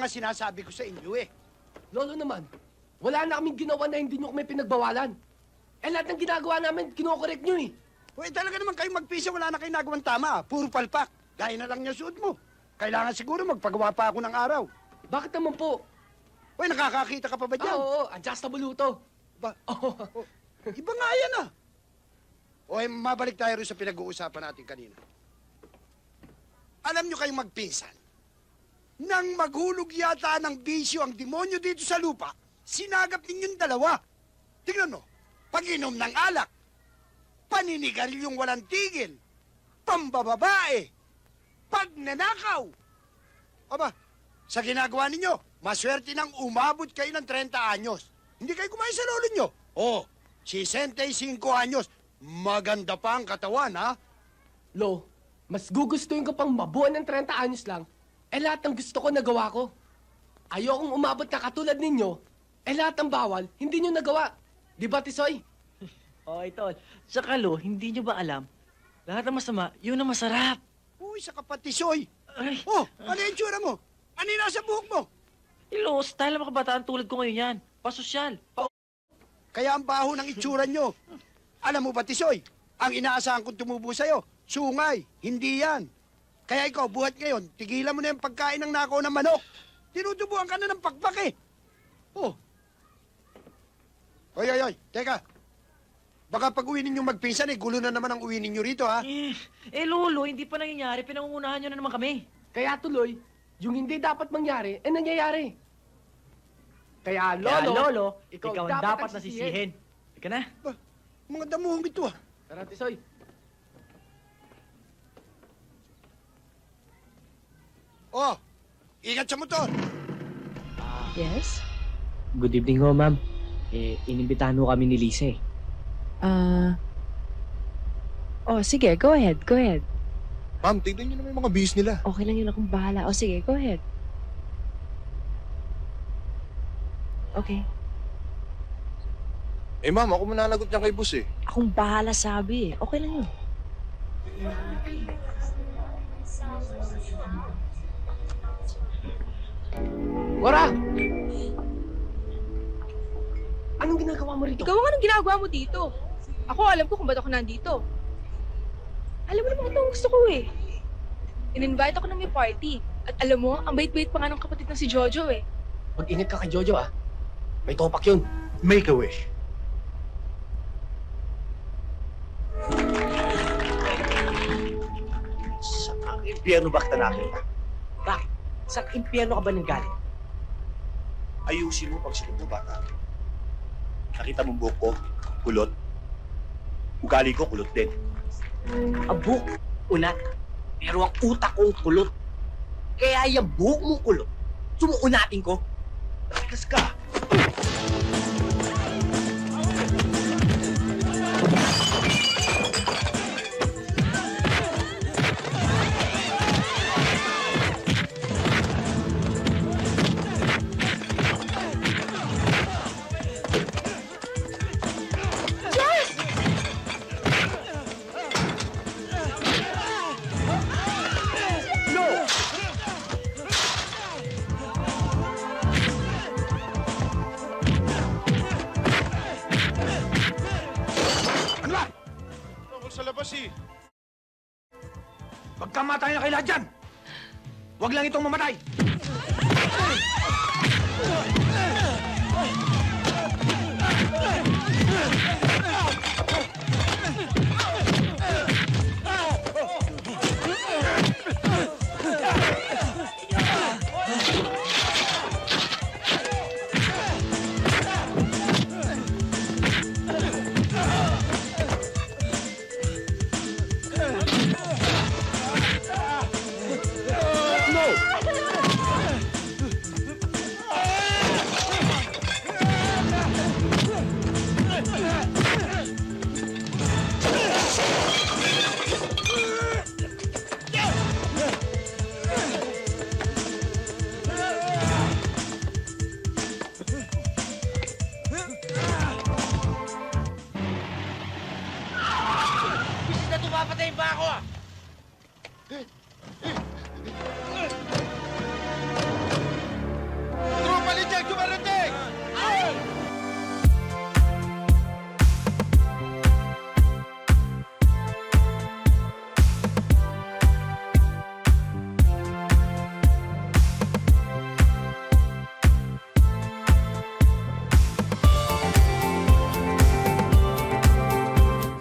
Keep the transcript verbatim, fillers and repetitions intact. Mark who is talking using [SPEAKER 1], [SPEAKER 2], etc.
[SPEAKER 1] sinasabi ko sa inyo eh.
[SPEAKER 2] Lolo naman, wala na kaming ginawa na hindi nyo kami pinagbawalan. Eh lahat ng ginagawa namin, kinokorek nyo eh.
[SPEAKER 1] Uy, talaga naman kayong magpisa, wala na kayong nagawang tama. Puro palpak. Gaya na lang niya suot mo. Kailangan siguro magpagawa pa ako ng araw.
[SPEAKER 2] Bakit naman po?
[SPEAKER 1] Uy, nakakakita ka pa ba
[SPEAKER 2] Ah,
[SPEAKER 1] dyan?
[SPEAKER 2] oo, adjustable to.
[SPEAKER 1] Ba?
[SPEAKER 2] Oh.
[SPEAKER 1] Oh, iba nga yan ah. Uy, mabalik tayo rin sa pinag-uusapan natin kanina. Alam nyo kayong magpinsan, nang maghulog yata ng bisyo ang demonyo dito sa lupa, sinagap ninyong dalawa. Tingnan mo, pag-inom ng alak, paninigaryong walang tigil, pambababae, pagnanakaw. Aba, sa ginagawa ninyo, maswerte nang umabot kayo ng thirty anyos. Hindi kayo kumain sa lolo nyo. Oh, sixty-five anyos. Maganda pa ang katawan, ha?
[SPEAKER 2] Lo, mas gugustuhin ko pang mabuo ng thirty anyos lang, eh lahat ng gusto ko nagawa ko. Ayokong umabot na katulad ninyo, eh lahat ng bawal, hindi nyo nagawa. Di ba, Tisoy?
[SPEAKER 3] Oh, ito. Saka lo, hindi nyo ba alam? Lahat ng masama, yun ang masarap.
[SPEAKER 1] Uy, sa kapatisoy.
[SPEAKER 3] Ay,
[SPEAKER 1] Oh, ano yung tsura mo? Ano yung nasa buhok mo?
[SPEAKER 3] ilo, style ng mga kabataan tulad ko ngayon yan. Pasosyal. Pa
[SPEAKER 1] Kaya ang baho ng itsura nyo. Alam mo ba, Tisoy, ang inaasahan kong tumubo sa'yo, sungay, hindi yan. Kaya ikaw, buhat ngayon, tigilan mo na yung pagkain ng nakaw ng manok. Tinutubuan ka na ng pakpak eh. Oh. Oy, oy, oy, teka. Baka pag uwi ninyong magpinsan eh, gulo na naman ang uwi ninyo rito, ha?
[SPEAKER 3] eh, eh, lolo, hindi pa nangyayari. Pinangungunahan nyo na naman kami.
[SPEAKER 2] Kaya tuloy, yung hindi dapat mangyari, eh nangyayari. Kaya Lolo,
[SPEAKER 3] Kaya, lolo,
[SPEAKER 2] ikaw,
[SPEAKER 3] ikaw, ang dapat nasisihin. Ika na.
[SPEAKER 1] Ba, mga damuhong ito, ah.
[SPEAKER 2] Tara, Tisoy.
[SPEAKER 1] Oh, ingat sa motor.
[SPEAKER 4] Yes?
[SPEAKER 5] Good evening ho, ma'am. Eh, inimbitahan ho kami ni Lisa eh.
[SPEAKER 4] Ah... oh, sige. Go ahead. Go ahead.
[SPEAKER 6] Ma'am, tignan niyo naman yung mga bis nila.
[SPEAKER 4] Okay lang yun, akong bahala. O sige, go ahead. Okay.
[SPEAKER 6] Eh ma'am, ako mananagot niyan kay boss eh.
[SPEAKER 4] Akong bahala sabi eh. Okay lang yun.
[SPEAKER 2] Wara! Anong ginagawa mo rito?
[SPEAKER 7] Ikaw ang anong ginagawa mo dito? Ako, alam ko kung ba't ako nandito. Alam mo naman ito ang gusto ko eh. In-invite ako ng may party. At alam mo, ang bait-bait pa nga ng kapatid na si Jojo eh.
[SPEAKER 2] Mag-ingat ka kay Jojo, ah. May topak yun.
[SPEAKER 6] Make a wish.
[SPEAKER 5] Saan impyerno ba kita nakita? Bakit? Saan impyerno ka ba nang galing?
[SPEAKER 6] Ayusin mo pag sinuot mo bata. Nakita mo buhok ko, kulot. Ugali ko, kulot din.
[SPEAKER 5] Ang buhok, unat. Pero ang utak kong kulot. Kaya yung buhok mong kulot, sumuunatin ko. Takas ka.
[SPEAKER 1] Ano ba?
[SPEAKER 6] Tungkol sa labas eh.
[SPEAKER 1] Magkamatay na kayo lahat dyan! Huwag lang itong mamatay!
[SPEAKER 3] Bisit na tumapatay ba ako ah?